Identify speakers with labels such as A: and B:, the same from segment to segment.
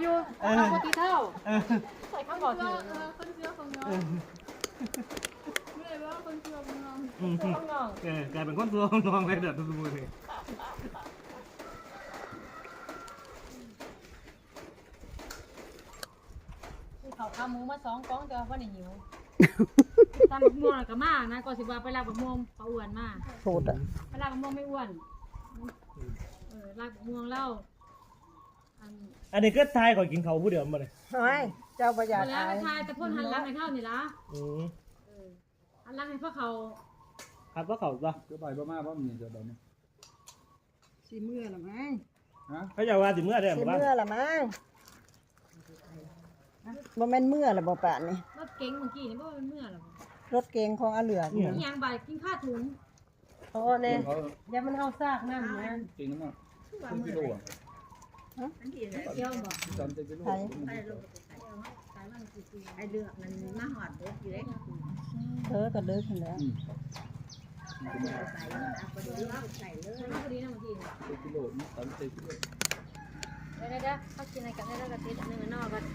A: อยู่เอาปกติเท่าใส่ข้าวบอกถึงคนเชื่อคนยอมไม่ได้ว่าคนเชื่อคนยอมคนยอม
B: กลายเป็นคนตัวน้องเลยเด็ดทุกคนเลย
A: เขาขาหมูมา2 กล่องแต่ว่าบ่ได้หิวตามบักม่วงก็มานะก็สิว่าไปลากบักม่วงเขาอ้วนมา
C: โหดอ่ะ
A: ไปลากบักม่วงไม่อ้วนลากบักม่วงเล่า
B: อันนี้ก็ทายก่อนกินเขาผู้เดิมมาเลย
C: เฮ้ยเจ้าประหยัด
A: แล้วทายแต่พ่นหันหลังให้เข้านี่ล่ะหันหลังให้พวกเขา
B: ครับก็เขาก็
D: ไปบ่มาบ่มีจะแบบนี้
C: สิเมื่อละมั้ง
B: เขาจะว่าสิเมื่อได้หรือเปล่า
C: สิเมื่อละมั้งบ่แม่นเมื่อละบ่ป่านนี่
A: รถเก๋งเมื่อกี้นี่บ่เป็นเมื่อหรอ
C: รถเก๋งของอาเหลือนี่
A: ยังบ่ายกินข้าวถุง
C: โอ้แน่อย่ามันเอาซากน้ำนะ
D: จริงมั้งเป็นกิโลอ่ะ
A: เกี่ยวบ่
D: จำเป็นกิโล
E: ไอเลือกมันมาหอดเด็กอยู่เล็ก
C: เธอก็เลิกกันแล้ว
A: ใส่เลยพอดีนะบางที
D: เป็นกิโลนี่30 กิโล
A: ได้เขากินอะไรกันได้กระติดนึงนอกกัน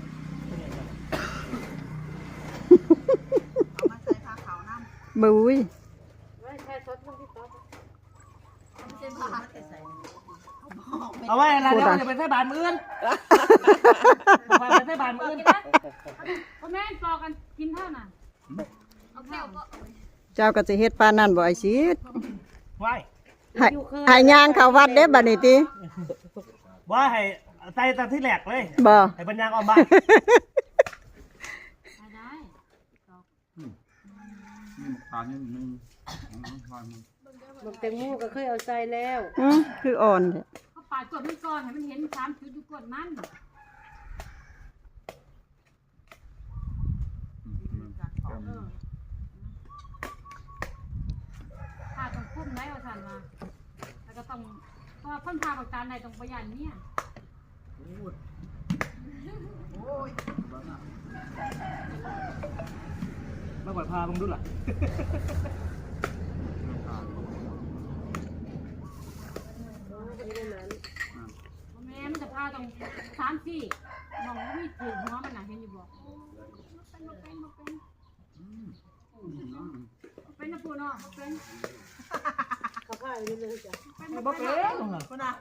E: เอามาใส่ผ้าขาวน้ำ
C: บุ้ย
A: ไม่ใช่ซดมันที่ซด
E: ไม่ใช่ผ้าใส่
B: เอาไว้อะไรเดี๋ยวจะไปใส่บานมื้นไปใส่บานมื้น
A: พ่อแม่ปอกันกินเท่าน่ะเอาแก้วก็
C: เจ้าก็จะเฮ็ดปานนั่นบ่ไอ้ชีด
B: ไว้
C: ให้ย่างเข้าวัดเด้บัดนี้ติ
B: ว่าให้ใส่ตาที่แหลกเลย
C: บ่
B: ให้ปัญญาออกบ้าน
A: ได้
D: นี่ทานนี่นึง
C: บักแตงโมก็เคยเอาใส่แล้วคืออ่อน
A: เขาปาดกดมันก่อนให้มันเห็น3 จุดอยู่กดมันถ้าต้องคุ้มได้ว่าสั่นมาแล้วก็ต้องเพราะว่าพ่นพาปากตาในตรงประหยัดเนี่ย
B: มาปล่อยพามึงดูล่ะ
A: แม่มันจะพาตรง3-4มองว่ามีถือหัวมันหนาเห็นอยู่บอกเป็นนะปูเนาะเป็นกระเพาะอยู่เลยจ้ะเป็นบ่เป็น
E: คนน่ะ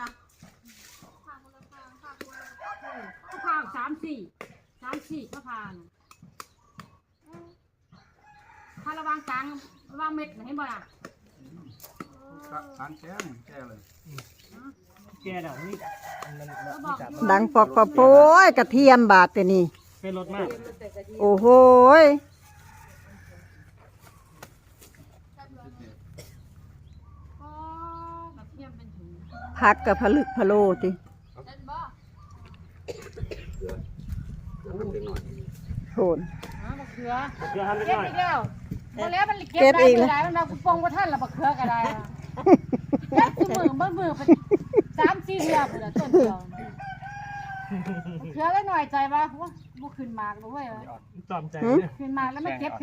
A: ก็พา3-4ก็พาพาระวังกลางระวังเม็ดเห็นบ่ล่ะ
D: ทานแก่เลย
B: แกเดี๋ยวนี้
C: ดังปอกปะโป้ยกระเทียมบาดแต่นี่
B: เป็นรถมาก
C: โอ้โหผักกับผลึกพะโลติโหน
A: เขือเก็บอีกแล้วพอแล้วมันเก็บได้ไม่ได้มันเอาปองว่าท่านละบักเขือก็ได้แค่มือไป3-4 เดือนเลยต้นเดียวเขือได้หน่อยใจป่ะว่าบุขึ้นมากด้วย
B: จอมใจ
A: ขึ้นมาแล้วไม่เก็บ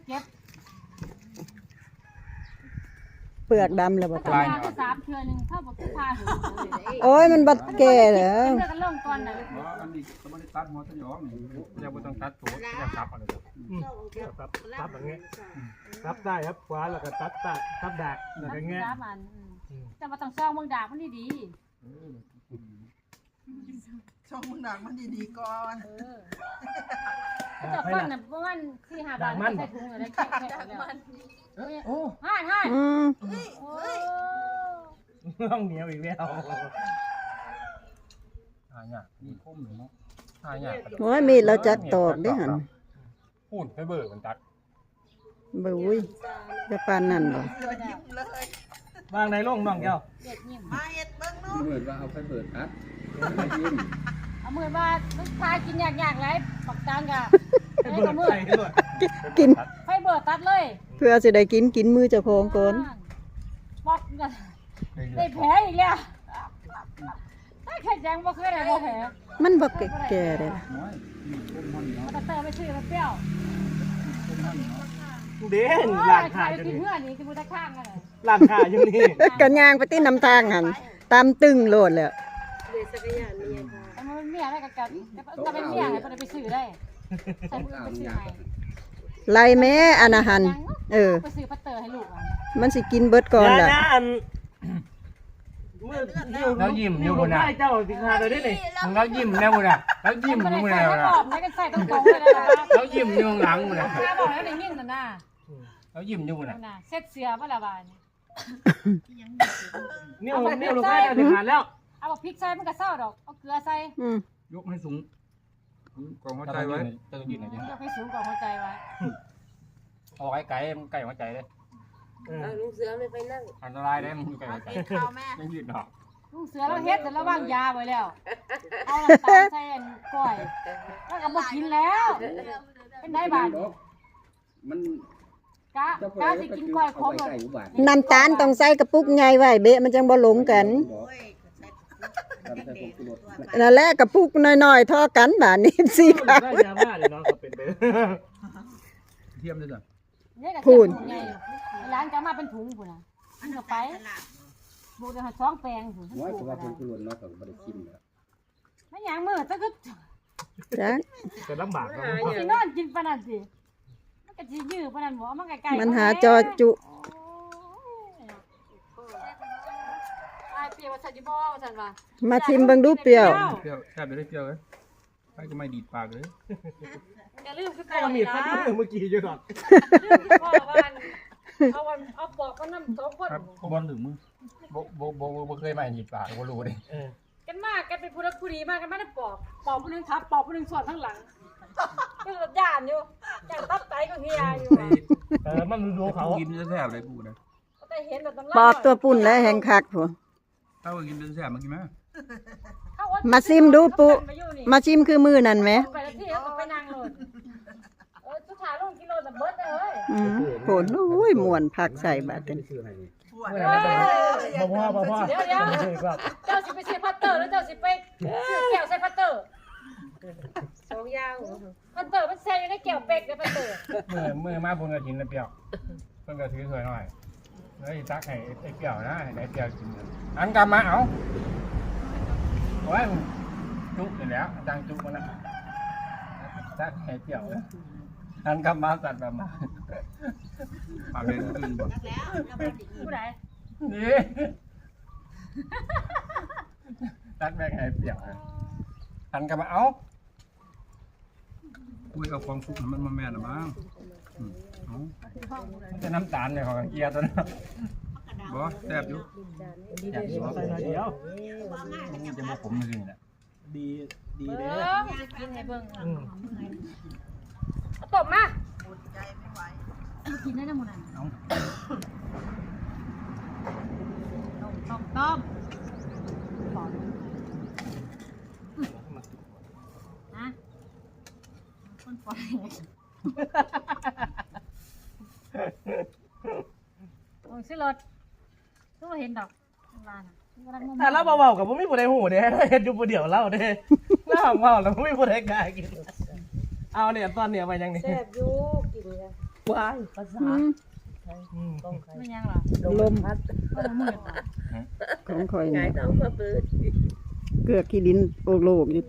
C: เปลือกดำเลยบ่
A: ตาย3 เทื่อนึงเท่ากับผ้า
C: โอ้ยมันบัดแก่เหรอ
A: เลือกกันล่องก่อนน่ะ
D: อันนี้ก็ไม่ได้ตัดหัวสยองนี่จะไม่ต้องตัดตัวจะซับอะไร
B: ซับอย่างเงี้ยซับได้ครับขวาแล้วก็ซับดากแล้วก็เงี้ย
A: แต่มาต้องซองเมืองดากมันดี
E: ช่องมึงดักมันดีๆก่อน
A: จะฟันน่ะประมาณ4-5 บาทใส่ถุงอะไรแค่มันโอ้ห่าน
B: ต้องเหนียวอีกแล้ว
D: เนี่ยมีคุ้มหรือเนาะเนี่ย
C: โอ้ยมีเราจักตอกได้หัน
D: พูดไปเบิกมันตัด
C: บุ้ยจะปานนั่นบ่
B: วางในร่องน้องแก้ว
E: มาเฮ็ดเบิ่งนู่น
D: เบิกว่าเอาไปเบิกตัด
A: เอามือมาลูกชายกินยากๆไรปักจานกะ
B: ให้เบิกใส่ด้วย
C: กิน
A: ให้เบิกตัดเลย
C: เพื่อสิได้กินมือเจ้าของก่อน
A: บอกได้แผลอีกแล้วถ้าแค่แจงบ่เคยได้บ่แผล
C: มันบ่แก่เลย
A: มันจะเติมไปชื่อมันเปรี้ยว
B: เด่นหลังขา
A: อยู่นี่เพื่อนนี่คือมันจะข้างกัน
B: หลังขาอยู่นี่
C: กันยางไปที่น้ำทางหันตามตึงโลดเลย
A: มันเป็นเมียได้กันจะเป็นเมียให้เพิ่นไปซื้อได้ใส่มือไปซื้อให้
F: ไล่แม่อันอาหาร
A: ไปซื้อพัตเตอร์ให้ลูกอ่ะ
F: มันสิกินเบิดก่อนล่ะ
D: แล้วยิ้มอยู่บนน่ะ
B: เจ้าสิคาเลยได้ดิ
D: แล้วยิ้มแน่บนน่ะแล้วยิ้มอยู่บนน่ะ
A: ไม่กันใส่ตรงๆเลยนะ
D: แล้วยิ้มอยู่หลังบนน่ะ
A: ถ้าบอกแล้วได้ยินน่ะนะ
D: แล้วยิ้มอยู่บนน่ะ
A: น่ะเซ็ตเสือบ่ละบาดนี่
B: นิ้วลูกไก่เจ้าสิขาดแล้ว
A: เอาพริกใส่มันก็เศร้าดอกเอาเกลือใส่
D: ยกให้สูงกองหัวใจไว้จะต้องยืนไหนดิ
A: ยกให้สูงกว่าหัวใจไว้
D: เอาไก่มันไก่หัวใจเลย
C: ลุงเสือไม่ไปนั่ง
D: อันตรายได้มันอยู่ไก่หัวใจ
E: กินข้าวแม่
D: ยังยืดดอก
A: ลูกเสือเราเฮ็ดแต่เราวางยาไว้แล้วเอาน้ำตาลใส่ก้อยแล้วก็บ่กินแล้วเป็นได้บาด
G: มัน
A: กะสิกินก้อยขม
F: น้ำตาลต้องใส่กระปุกใหญ่ไว้เบะมันจังบ่หลงกัน
E: โอ้ยใส่เด็กๆตัว
F: นั่นแหละกระปุกน้อยๆเท่ากันบาดนี้สิ
B: ได้ยาบ้าเลยน้องเขาเป็นไป
D: เทียมด้วยจ้ะ
A: เนี่ยก็พูนร้านก็มาเป็นถุงพุ่นน่ะอันก็ไปบูได้2แปลงพุ่น
G: น้อยกว่าคนกุหลาบน้อยกว่าบ่ได้ชิมแล้ว
A: มันหยังมื้อซะคือ
F: จ้ะ
B: จะลำบากเนาะ
A: สินอนกินปานนั้นสิมันก็สิยื้อปานนั้นบ่มันใกล้ๆ
F: มันหาจอจุ
A: อ้ายเปรียวว่าซั่นสิบ่ว่าซั่นว่า
F: มาชิมเบิ่งดูเปรี้ยว
D: เปรี้ยวแทบไม่ได้เปรี้ยวเลยใครจะไม่ดีดปากเลย
A: อย่าลืมคือ
B: ไอ้มีดฟันเมื่อกี้อยู่ดอก
A: พ่อว่าเอาปอกมันนำ2คน
D: ครับบอลถึงมือบ่เคยไม่ดีดปากบ่รู้เลย
A: กันมากกันเป็นผู้รักผู้ดีมากกันมาได้ปอกผู้นึงทับปอกผู้นึงสอดข้างหลังก็ย่านอยู่ย่านตับไตก็เฮียอยู่
B: มันดูเขา
D: กินจะแสบเลยกูนะ
A: แต่เห็นแบบต้อง
F: ปอกตัวปุ่นและแห่งคักผัว
D: ถ้าว่ากินจะแสบมากินไหม
F: มาชิมดูปุมาชิมคือมือนั่นไหม
A: ไปที่เขาไปนั่งเลยสุดท้ายลงกิโลแต่เบิร์ดเลย
F: โผล่โอ้ยม่วนผักใส่บาดกัน
G: ชื่ออะไรนี่
E: ปวด
B: พ่อ
A: เดี๋ยวเจ้าสิไปซื้อพัตเตอร์แล้วเจ้าสิไปซื้อแก้วใส่พัตเตอร์
C: 2อย่าง
A: พัตเตอร์มันใส่อยู่ในแก้วเป็กเลยพัตเตอร์
D: มือมาบนกระถินแล้วเปรี้ยวเพิ่นก็ถือสวยหน่อยแล้วอีตักให้ไอ้เปรี้ยวนะให้เปรี้ยวกินอันกำมาเอาโอ้ยจุกอยู่แล้วจังจุกมันนะตักให้เปรี้ยวอันกำมาตัดแบบมาปากเลยตื่นบ่
E: แล้วแล้วมันดี
A: ผู้ใด
D: นี่ตักแบงให้เปรี้ยวอันกำมาเอาคุยเอาความสุขมันมาแม่นหรือมั้งจะน้ำตาลเนี่ยของเกียร์ตัวนั้นบ่แซ่บอยู่อยากกินบ่
B: ใส่หน่อยเดียว
D: นี่จะมาผมจริงแหละ
B: ดีเด้
A: กินให้เบิ่งเอาตบมา
E: ปวดใจไม่ไหว
A: กินได้ทั้งหมดนั่น
D: เอา
A: ต้มฮะคนปล่อยโอ้ยซื้อรถต้องมาเห็นดอกร้าน
B: ถ้าเราเบาๆกับผมไม่ผู้ใดหูเด้เฮ็ดอยู่ผู้เดียวเล่าเด้เล่าเมาแล้วไม่ผู้ใดกล้ากินเอาเนี่ยตอนเนี่ยไปยังนี่
C: แซ่บอยู่กินกัน
B: ว้ายภาษา
A: ไม่ยังหรอ
F: ลม
A: มันมืด
F: ของข่อย
C: ไง
F: นี่
C: ต้องมาเปิด
F: เกลือขี้ดินโอกโลกอยู่ติ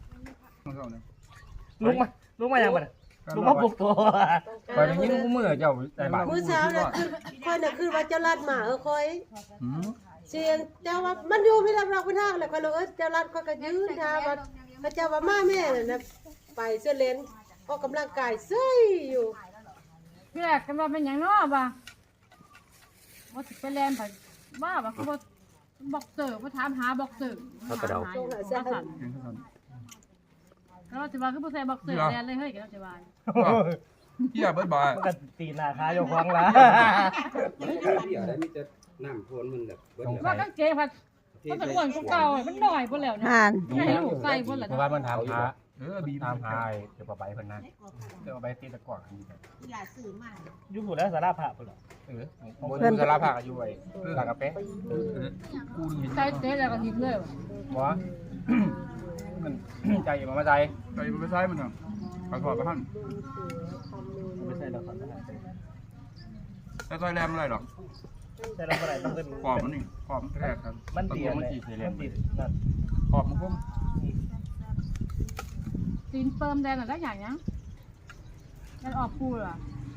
B: ลุกมายังบ่ลุกมาปลุกตัว
D: ไปได้ยินกูมือเจ้าใจบาด
C: มื้อเช้าน่ะค่อยน่ะคือว่าเจ้าลัดหมาค่อยเสียงเจ้าว่ามันอยู่พี่รับเราไปทางแล้วก็เลยเจ้าลัดค่อยก็ยืนทาว่าพระเจ้าว่ามาแม่น่ะนะไปเสื้อเลนออกกำลังกายเซ้ยอยู่
A: พี่แรกกันว่าเป็นอย่างน้อบ่ว่าสิไปแลนไปว่าคือว่าบอกเตอร์ว่าถามหาบอกเตอร์เราจะว่าคือผู้ชายบอกเตอร์แลนเลยเฮ้ยเราจะว่า
D: เหี้ยเบิดบ่
B: มันก็ตีหน้าขาอยู่ขวางละ
G: เดี๋ยวได้มีแต่น้ำท่วมมันแบบเบิด
A: ว่ากังเกงผัดมันเป็นอ้วนเก่ามันหน่อยพุ่นแล้วนะ
F: ห่าน
A: ให้ลูกใส่พุ่นแล้ว
D: เพราะว่ามันถามหาบีถามหาเดี๋ยวไปเพิ่นนั่นเดี๋ยวไปตีตะกร้อกัน
E: ที่หลาสื่อมา
B: อยู่ผู้แล้วสารภาพพุ่นล่ะ
D: บนสารภาพอยู่ไว้หลังกระเป๊ะกูนี่
A: ใส่เตะแล้วก็หิบเลย
D: บ่มันใจมันมาใจใจมันไม่ใช่มันอ่ะขอโทษไปหั่น
B: ไม่ใช่ดอก
D: แต่ซอยแรมอะไรหรอก
B: ใช่เราบ่ได้ต้องเป็น
D: ขอบมันนี่ขอบมันแรกครับ
B: มันตี
D: มัน
B: มัน
D: ตี
B: ตี
D: เสีย
B: มันตีนั่น
D: ขอบมันคม
A: ตีนเปิมแดงน่ะได้อย่างเนี้ยมันออกปูเหรอ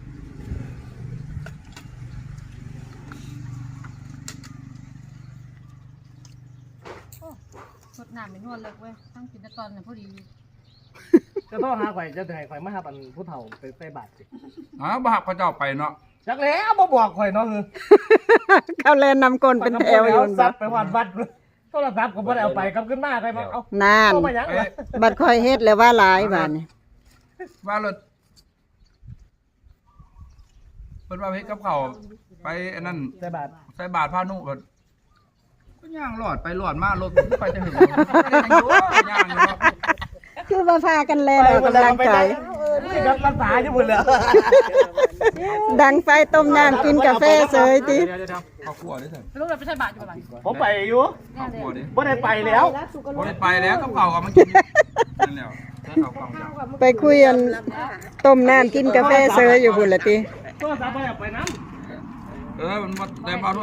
A: สดน้ำไม่นวลเลยเว้ยตั้งกินแต่ตอนน่ะพอดี
B: จะต้องหาข่อยจะให้ข่อยมาหาอันผู้เฒ่าไปใส่บาตรสิ
D: บ่หักพระเจ้าไปเนาะ
B: จักแล้วบ่บอกข่อยเนาะคือ
F: เขาแลนนำกลเป็นแถวอยู่
B: ซั
F: บั
B: บไปวัดวัดโทรศัพท์ก็บ่ได้เอาไปกลับขึ้นมาใครมาเอา
F: นาน
B: เอามาหยังวะ
F: บัดคอยเฮ็ดแล้วว่าหลายบาดนี่
D: ว่ารถเพิ่นว่าเฮ็ดกับข้าวไปอันนั้น
B: ใส่บาตร
D: ใส่บาตรพานุเพิ่นก็ย่างหลอดไปหลอดมารถไปจะถึงย่างอยู่เนาะ
F: คือว่าพากันแลนออกกำลังกาย
B: นี่ก็ภาษาอยู่หมดแล้ว
F: ดังไฟต้มน้ำกินกาแฟเสยติ
D: เดี๋ยวข้าวคั่วดิเถอะ
A: รู้เลยไปใส่บาตรอยู่ประมาณ
B: ผมไปอยู่
D: ข้าวคั่วดิ
B: บ่ได้ไปแล้ว
D: บ่ได้ไปแล้วกับข้าวก็มากินนั่นแล้วข้าวกล่องจ้ะ
F: ไปคุยกันต้มน้ำกินกาแฟเสยอยู่พุ่นละติ
B: โทรศัพท์บ่ได้เอาไปนำ
D: มันบ่ได้บ่